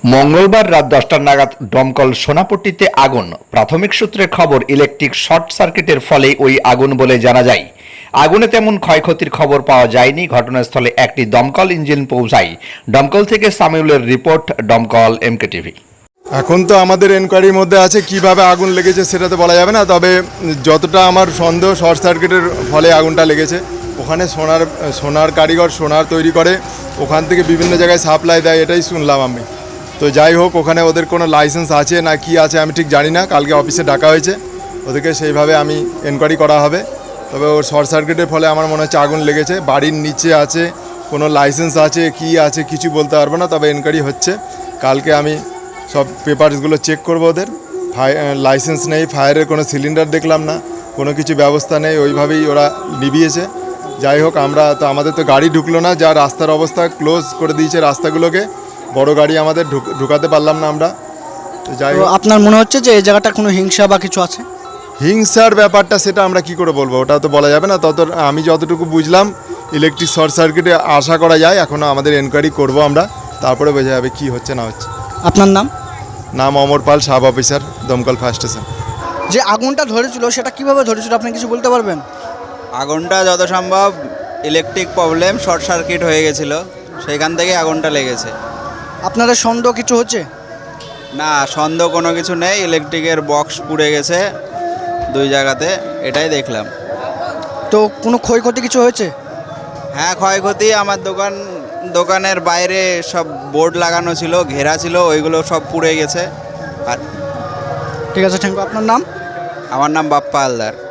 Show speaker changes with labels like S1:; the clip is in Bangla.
S1: মঙ্গলবার রাত 10টা নাগাদ দমকল সোনাপট্টিতে আগুন। প্রাথমিক সূত্রে খবর, ইলেকট্রিক শর্ট সার্কিটের ফলে ওই আগুন বলে জানা যায়। আগুনে তেমন ক্ষয়ক্ষতির খবর পাওয়া যায়নি। ঘটনাস্থলে একটি দমকল ইঞ্জিন পৌঁছায়। দমকল থেকে সামিউলের রিপোর্ট, দমকল MKTV।
S2: এখন তো আমাদের এনকোয়ারির মধ্যে আছে, কিভাবে আগুন লেগেছে সেটা তো বলা যাবে না, তবে যতটা আমার সন্দেহ শর্ট সার্কিটের ফলে আগুনটা লেগেছে। ওখানে সোনার কারিগর সোনার তৈরি করে, ওখান থেকে বিভিন্ন জায়গায় সাপ্লাই দেয়, এটাই শুনলাম আমি। তো যাই হোক, ওখানে ওদের কোনো লাইসেন্স আছে না কি আছে আমি ঠিক জানি না। কালকে অফিসে ডাকা হয়েছে ওদেরকে, সেইভাবে আমি এনকোয়ারি করা হবে। তবে ওর শর্ট সার্কিটের ফলে আমার মনে হচ্ছে আগুন লেগেছে। বাড়ির নিচে আছে, কোনো লাইসেন্স আছে কি আছে কিছু বলতে পারবো না, তবে এনকোয়ারি হচ্ছে। কালকে আমি সব পেপারসগুলো চেক করবো। ওদের লাইসেন্স নেই, ফায়ারের কোনো সিলিন্ডার দেখলাম না, কোনো কিছু ব্যবস্থা নেই, ওইভাবেই ওরা নিভিয়েছে। যাই হোক, আমাদের তো গাড়ি ঢুকলো না, যা রাস্তার অবস্থা ক্লোজ করে দিয়েছে রাস্তাগুলোকে, বড় গাড়ি আমাদের ঢুকাতে পারলাম না আমরা। তো যাই হোক,
S3: আপনার মনে হচ্ছে যে এই জায়গাটা কোনো হিংসা বা কিছু আছে?
S2: হিংসার ব্যাপারটা সেটা আমরা কি করে বলবো, ওটা তো বলা যাবে না। আমি যতটুকু বুঝলাম ইলেকট্রিক শর্ট সার্কিটে আশা করা যায়। এখনও আমাদের এনকোয়ারি করবো আমরা, তারপরে বোঝা যাবে কী হচ্ছে না হচ্ছে।
S3: আপনার নাম?
S2: নাম অমর পাল, সাব অফিসার, দমকল ফায়ার স্টেশন।
S3: যে আগুনটা ধরেছিল সেটা কিভাবে ধরেছিল আপনি কিছু বলতে পারবেন?
S4: আগুনটা যত সম্ভব ইলেকট্রিক প্রবলেম, শর্ট সার্কিট হয়ে গেছিল, সেইখান থেকে আগুনটা লেগেছে।
S3: আপনাদের সন্দেহ কিছু হচ্ছে?
S4: না, সন্দেহ কোনো কিছু নেই। ইলেকট্রিকের বক্স পুড়ে গেছে দুই জায়গাতে, এটাই দেখলাম।
S3: তো কোনো ক্ষয়ক্ষতি কিছু হয়েছে?
S4: হ্যাঁ, ক্ষয়ক্ষতি আমার দোকানের বাইরে সব বোর্ড লাগানো ছিল, ঘেরা ছিল, ওইগুলো সব পুড়ে গেছে। আর
S3: ঠিক আছে, থ্যাংক ইউ। আপনার নাম?
S4: আমার নাম বাপ্পা হালদার।